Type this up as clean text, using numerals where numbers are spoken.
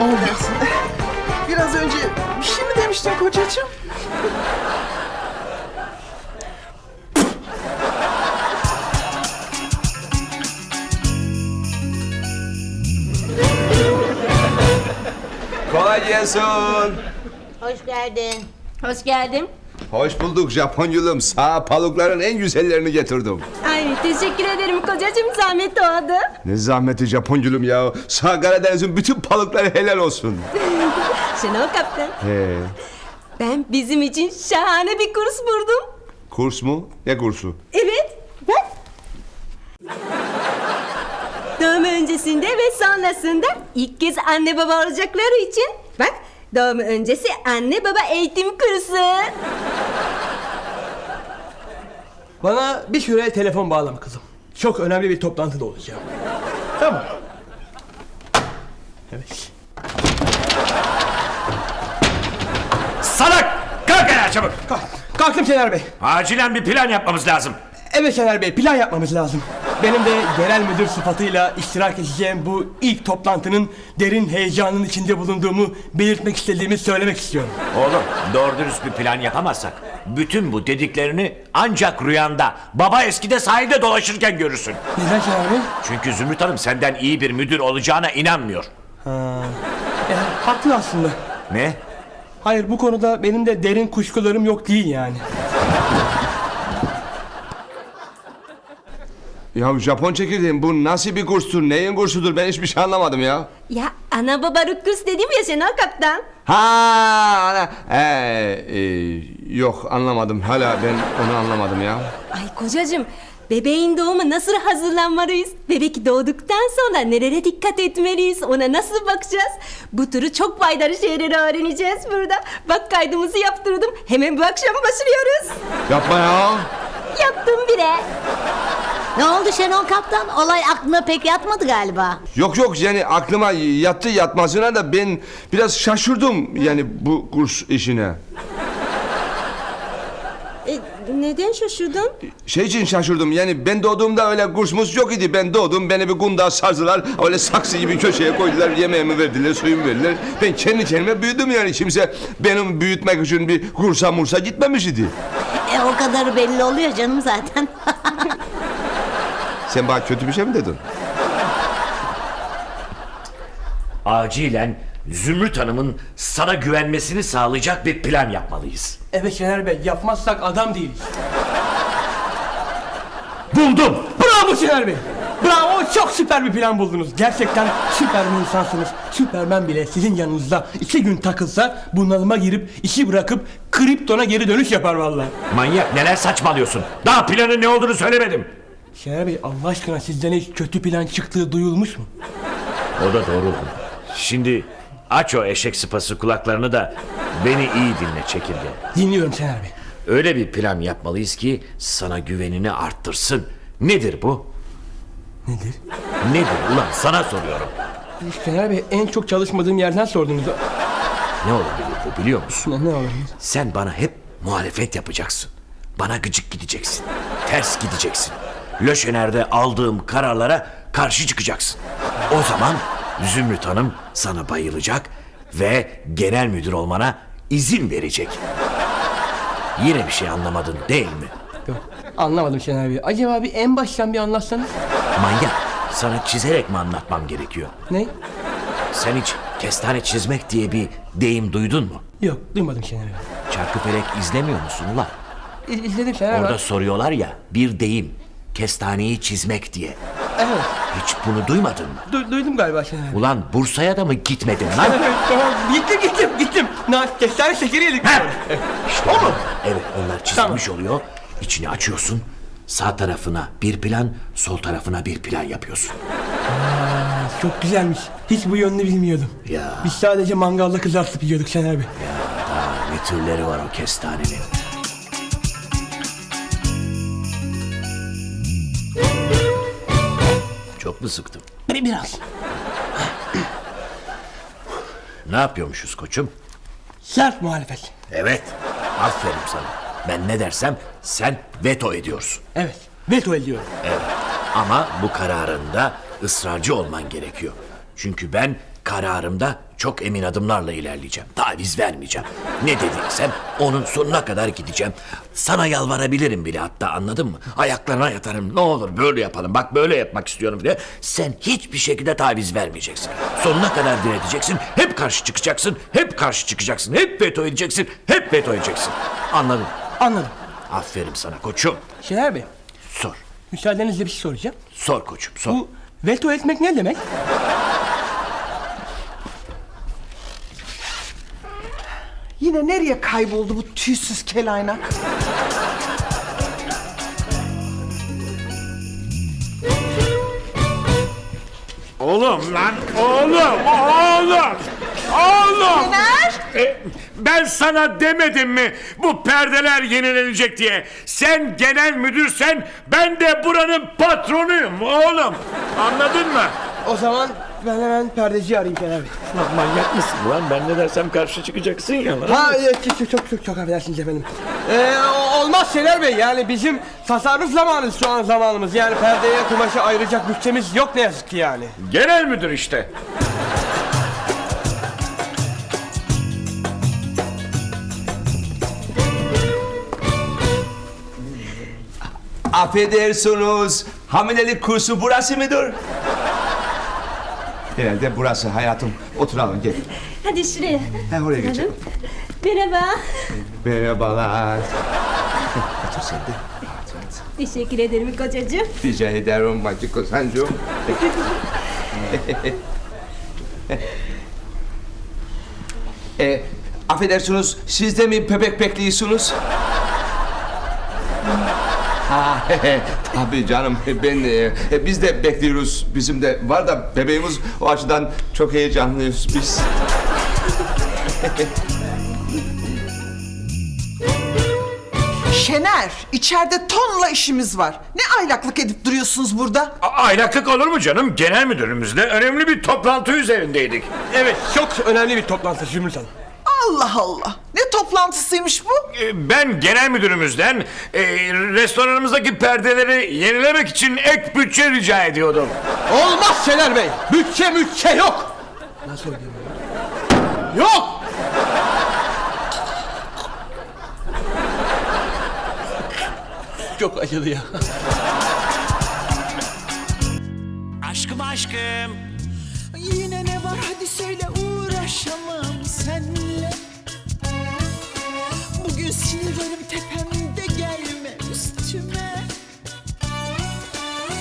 Olmasın. Biraz önce bir şey mi demiştin kocacığım? Kolay gelsin. Hoş geldin. Hoş geldin. Hoş bulduk Japonyulum. Sağ palukların en güzellerini getirdim. Ay teşekkür ederim kocacığım, zahmet oldu. Ne zahmeti Japonyulum ya. Sağ Karadeniz'in bütün palukları helal olsun. Şenol kaptan, He. ben bizim için şahane bir kurs buldum. Kurs mu? Ne kursu? Evet, bak. Doğum öncesinde ve sonrasında ilk kez anne baba olacakları için bak, doğum öncesi anne baba eğitim kursu. Bana bir süre telefon bağlama kızım. Çok önemli bir toplantıda olacağım. Tamam. Evet. Salak! Kalk ayağa çabuk! Kalktım Şener Bey. Acilen bir plan yapmamız lazım. Evet Şener Bey, plan yapmamız lazım. Benim de genel müdür sıfatıyla iştirak edeceğim bu ilk toplantının derin heyecanın içinde bulunduğumu belirtmek istediğimi söylemek istiyorum. Oğlum, doğru dürüst bir plan yapamazsak bütün bu dediklerini ancak rüyanda, baba eskide sahilde dolaşırken görürsün. Neden Şener Bey? Çünkü Zümrüt Hanım senden iyi bir müdür olacağına inanmıyor. Yani, haklı aslında. Ne? Hayır, bu konuda benim de derin kuşkularım yok değil yani. Ya Japon çekirdeğim, bu nasıl bir kurstur? Neyin kursudur? Ben hiçbir şey anlamadım ya. Ya ana babalık kurs dedim ya Şenol kaptan. Ha, ana. Yok anlamadım. Hala ben onu anlamadım ya. Ay kocacığım, bebeğin doğumu nasıl hazırlanmalıyız? Bebek doğduktan sonra nelere dikkat etmeliyiz? Ona nasıl bakacağız? Bu türü çok faydalı şeyleri öğreneceğiz burada. Bak, kaydımızı yaptırdım. Hemen bu akşam başlıyoruz. Yapma ya. Yaptım bile. Ne oldu Şenol Kaptan? Olay aklına pek yatmadı galiba. Yok yani aklıma yattı yatmasına da ben biraz şaşırdım yani bu kurs işine. Neden şaşırdın? Şey için şaşırdım yani ben doğduğumda öyle kursumuz yok idi. Ben doğdum, beni bir kundağa sardılar. Öyle saksı gibi köşeye koydular, yemeğimi verdiler, suyumu verdiler. Ben kendi kendime büyüdüm yani. Kimse benim büyütmek için bir kursa mursa gitmemiş idi. O kadarı belli oluyor canım zaten. Sen bana kötü bir şey mi dedin? Acilen Zümrüt Hanım'ın sana güvenmesini sağlayacak bir plan yapmalıyız. Evet Şener Bey, yapmazsak adam değiliz. Buldum! Bravo Şener Bey. Bravo, çok süper bir plan buldunuz. Gerçekten süper bir insansınız. Süpermen bile sizin yanınızda 2 gün takılsa bunalıma girip işi bırakıp Krypton'a geri dönüş yapar vallahi. Manyak, neler saçmalıyorsun? Daha planın ne olduğunu söylemedim. Şener Bey, Allah aşkına sizden hiç kötü plan çıktığı duyulmuş mu? O da doğru. Şimdi aç o eşek sıpası kulaklarını da beni iyi dinle çekirge. Dinliyorum Şener Bey. Öyle bir plan yapmalıyız ki sana güvenini arttırsın. Nedir bu? Nedir? Nedir ulan, sana soruyorum. Şener Bey, en çok çalışmadığım yerden sordunuz. Ne olabilir bu, biliyor musun? Ne olabilir? Sen bana hep muhalefet yapacaksın. Bana gıcık gideceksin. Ters gideceksin. Löşener'de aldığım kararlara karşı çıkacaksın. O zaman Zümrüt Hanım sana bayılacak ve genel müdür olmana izin verecek. Yine bir şey anlamadın değil mi? Yok, anlamadım Şener Bey. Acaba bir en baştan bir anlatsanız? Manyak, sana çizerek mi anlatmam gerekiyor? Ne? Sen hiç kestane çizmek diye bir deyim duydun mu? Yok, duymadım Şener Bey. Çarkıfelek izlemiyor musun ulan? İzledim Şener Bey. Orada soruyorlar ya, bir deyim, kestaneyi çizmek diye. Evet, Hiç bunu duymadın mı? duydum galiba Şener Bey. Ulan Bursa'ya da mı gitmedin lan? Evet, tamam, gittim. Kestane şekeri yedik. İşte o mu? Evet, onlar çizilmiş oluyor. İçini açıyorsun. Sağ tarafına bir plan, sol tarafına bir plan yapıyorsun. Çok güzelmiş. Hiç bu yönünü bilmiyordum. Ya. Biz sadece mangalda kızartıp yiyorduk Şener Bey. Daha ne türleri var o kestanenin. Çok mu sıktım? Biraz. Ne yapıyormuşuz koçum? Sert muhalefet. Evet, aferin sana. Ben ne dersem sen veto ediyorsun. Evet, veto ediyorum. Evet, ama bu kararında ısrarcı olman gerekiyor. Çünkü ben kararımda çok emin adımlarla ilerleyeceğim. Taviz vermeyeceğim. Ne dediysem onun sonuna kadar gideceğim. Sana yalvarabilirim bile hatta, anladın mı? Ayaklarına yatarım. Ne olur böyle yapalım. Bak böyle yapmak istiyorum bile. Sen hiçbir şekilde taviz vermeyeceksin. Sonuna kadar direteceksin. Hep karşı çıkacaksın. Hep karşı çıkacaksın. Hep veto edeceksin. Hep veto edeceksin. Anladın? Anladım. Aferin sana koçum. Şener Bey, Sor. müsaadenizle bir şey soracağım. Sor koçum sor. Bu veto etmek ne demek? Yine nereye kayboldu bu tüysüz kelaynak? Oğlum lan, oğlum! Ben sana demedim mi bu perdeler yenilenecek diye? Sen genel müdürsen ben de buranın patronuyum oğlum. Anladın mı? O zaman ben hemen perdeciyi arayayım Şener Bey. Lan manyak mısın lan? Ben ne dersem karşı çıkacaksın ya lan. Ha çok affedersiniz efendim. Olmaz Şener Bey, yani bizim tasarruf zamanımız şu an zamanımız. Yani perdeye kumaşı ayıracak bütçemiz yok ne yazık ki yani. Genel müdür işte. Affedersiniz. Hamilelik kursu burası mıdır? Herhalde burası hayatım. Oturalım gel. Hadi şuraya. Ha, oraya geçelim. Merhaba. Merhabalar. Otur sen de. Teşekkür ederim kocacığım. Rica ederim Bacı Kozancığım. Affedersiniz, siz de mi bebek bekliyorsunuz? Ha, tabii canım, biz de bekliyoruz. Bizim de var da bebeğimiz, o açıdan çok heyecanlıyız biz. Şener, içeride tonla işimiz var. Ne aylaklık edip duruyorsunuz burada? Aylaklık olur mu canım? Genel müdürümüzle önemli bir toplantı üzerindeydik. Evet, çok önemli bir toplantı Zümrüt Hanım. Allah Allah! Ne toplantısıymış bu? Ben genel müdürümüzden restoranımızdaki perdeleri yenilemek için ek bütçe rica ediyordum. Olmaz Şener Bey, bütçe yok. Nasıl ödeyeyim? Yok! Çok acıdı ya. Aşkım aşkım. Yine ne var hadi söyle uğraşamam senle. Bugün sinirlerim tepemde.